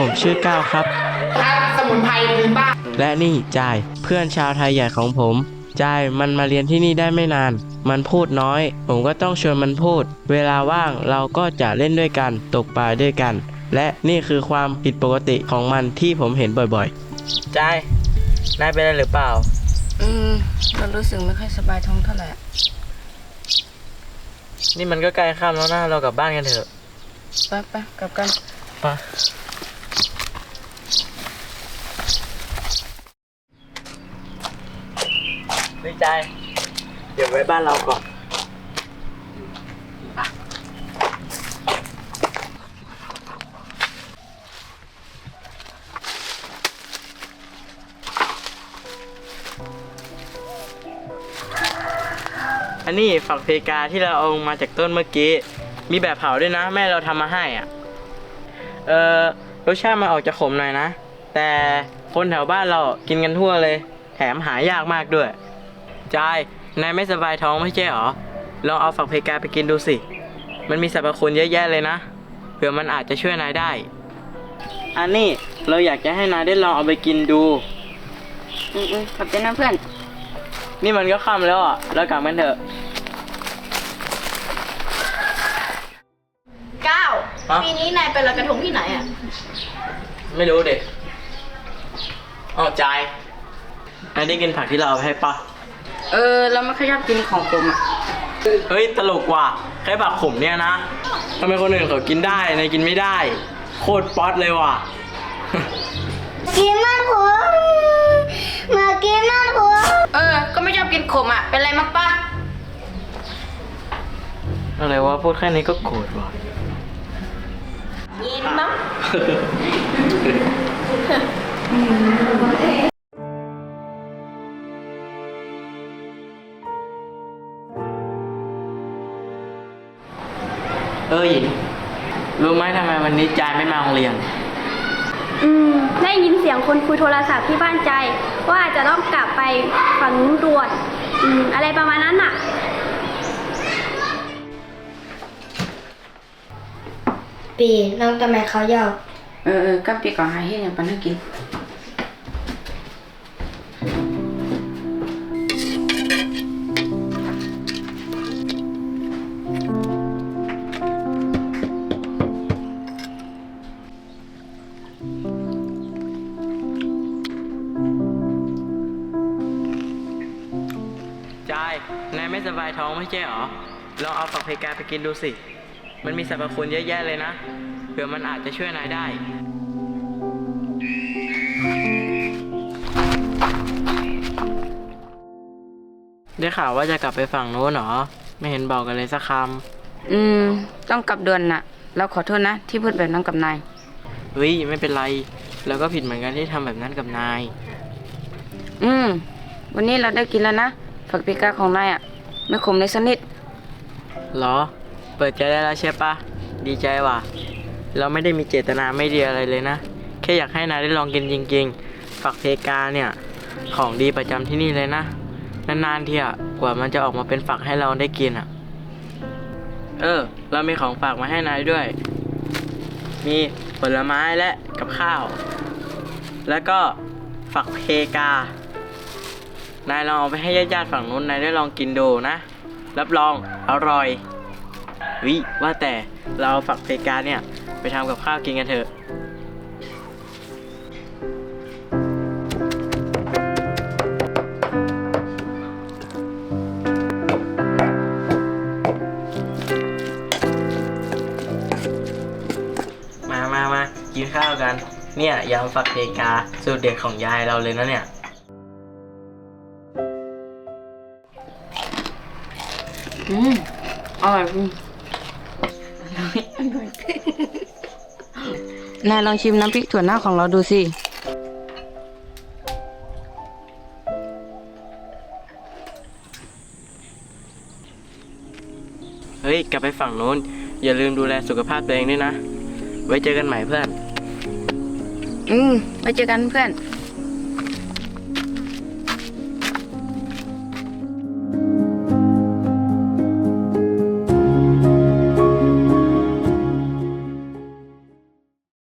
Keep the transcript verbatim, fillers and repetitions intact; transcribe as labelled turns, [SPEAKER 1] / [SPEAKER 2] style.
[SPEAKER 1] ผมชื่อก้าวครับ
[SPEAKER 2] ครับสมุนไพรพื้นบ้าน
[SPEAKER 1] และนี่จายเพื่อนชาวไทยใหญ่ของผมจายมันมาเรียนที่นี่ได้ไม่นานมันพูดน้อยผมก็ต้องชวนมันพูดเวลาว่างเราก็จะเล่นด้วยกันตกปลาด้วยกันและนี่คือความผิดปกติของมันที่ผมเห็นบ่อยๆจายนายเป็นอะไรหรือเปล่า
[SPEAKER 3] อืมเรารู้สึกไม่ค่อยสบายท้องเท่าไหร่
[SPEAKER 1] นี่มันก็ใกล้ค่ำแล้วนะเรากลับบ้านกันเถอะ
[SPEAKER 3] ไปไปกลับกัน
[SPEAKER 1] ไปดีใจเดี๋ยวไว้บ้านเราก่อนอันนี้ฝักเพกาที่เราเอามาจากต้นเมื่อกี้มีแบบเผาด้วยนะแม่เราทำมาให้อ่ะเออรสชาติมันออกจะขมหน่อยนะแต่คนแถวบ้านเรากินกันทั่วเลยแถมหายากมากด้วยจายนายไม่สบายท้องไม่ใช่หรอลองเอาฝักเพกาไปกินดูสิมันมีสรรพคุณเยอะแยะเลยนะเผื่อมันอาจจะช่วยนายได้อันนี้เราอยากจะให้นายได้ลองเอาไปกินดู
[SPEAKER 3] อืมอืมขอบใจนะเพื่อน
[SPEAKER 1] นี่มันก็ค่ำแล้วอ่ะเรากลับกันเถอะ
[SPEAKER 4] ก้าวปีนี้นายไปลอยกระทงที่ไหนอ่ะ
[SPEAKER 1] ไม่รู้เด็กอ๋อจายนายได้กินผักที่เราเอาไปให้ปะ
[SPEAKER 3] เออเราไม่ค่อยชอบกินของขมอ่ะ
[SPEAKER 1] เฮ้ยตลกว่ะแค่ผักขมเนี่ยนะทำไมคนอื่นเขากินได้นายกินไม่ได้โคตรป๊อตเลยว่ะ
[SPEAKER 4] กินมันหัวมากินมันหัว
[SPEAKER 3] เออก็ไม่ชอบกินขมอ่ะเป็นไรมั้งป้า
[SPEAKER 1] อะไรวะพูดแค่นี้ก็โกรธว่ะ
[SPEAKER 4] ยินมั้ง
[SPEAKER 1] เออหญิงรู้ไหมทำไมวันนี้จายไม่มาโรงเรียน
[SPEAKER 5] อืมได้ยินเสียงคนคุยโทรศัพท์ที่บ้านใจว่าจะต้องกลับไปฝั่งนู้นด่วนอืมอะไรประมาณนั้นน่ะ
[SPEAKER 4] ปีน้องทำไมเขาเยา
[SPEAKER 3] เออเออกับปีก่อนให้เฮ็ดอย่างปันให้กิน
[SPEAKER 1] จายนายไม่สบายท้องไม่ใช่หรอลองเอาฝักเพกาไปกินดูสิมันมีสรรพคุณเยอะแยะเลยนะเผื่อมันอาจจะช่วยนายได้ได้ข่าวว่าจะกลับไปฝั่งโน้นหรอไม่เห็นบอกกันเลยสักค
[SPEAKER 3] ำอืมต้องกลับด่วนน่ะเราขอโทษนะที่พูดแบบนั้นกับนาย
[SPEAKER 1] เฮ้ยไม่เป็นไรเราก็ผิดเหมือนกันที่ทำแบบนั้นกับนาย
[SPEAKER 3] อืมวันนี้เราได้กินแล้วนะฝักเพกาของนายอ่ะไม่ขมเลยสักนิด
[SPEAKER 1] หรอเปิดใจได้แล้วใช่ปะดีใจว่ะเราไม่ได้มีเจตนาไม่ดีอะไรเลยนะแค่อยากให้นายได้ลองกินจริงๆฝักเพกาเนี่ยของดีประจำที่นี่เลยนะนานๆทีอ่ะกว่ามันจะออกมาเป็นฝักให้เราได้กินอ่ะเออเรามีของฝากมาให้นายด้วยมีผลไม้และกับข้าวแล้วก็ฝักเพกานายลองเอาไปให้ญาติๆฝั่งนู้นนายได้ลองกินดูนะรับรองอร่อยวิว่าแต่เราเอาฝักเพกาเนี่ยไปทำกับข้าวกินกันเถอะมามามากินข้าวกันเนี่ยยำฝักเพกาสูตรเด็ดของยายเราเลยนะเนี่ย
[SPEAKER 3] อืมอร่อยจริงนายลองชิมน้ำพริกถั่วเน่าของเราดูสิ
[SPEAKER 1] เฮ้ยกลับไปฝั่งโน้นอย่าลืมดูแลสุขภาพตัวเองด้วยนะไว้เจอกันใหม่เพื่อน
[SPEAKER 3] อืมไว้เจอกันเพื่อน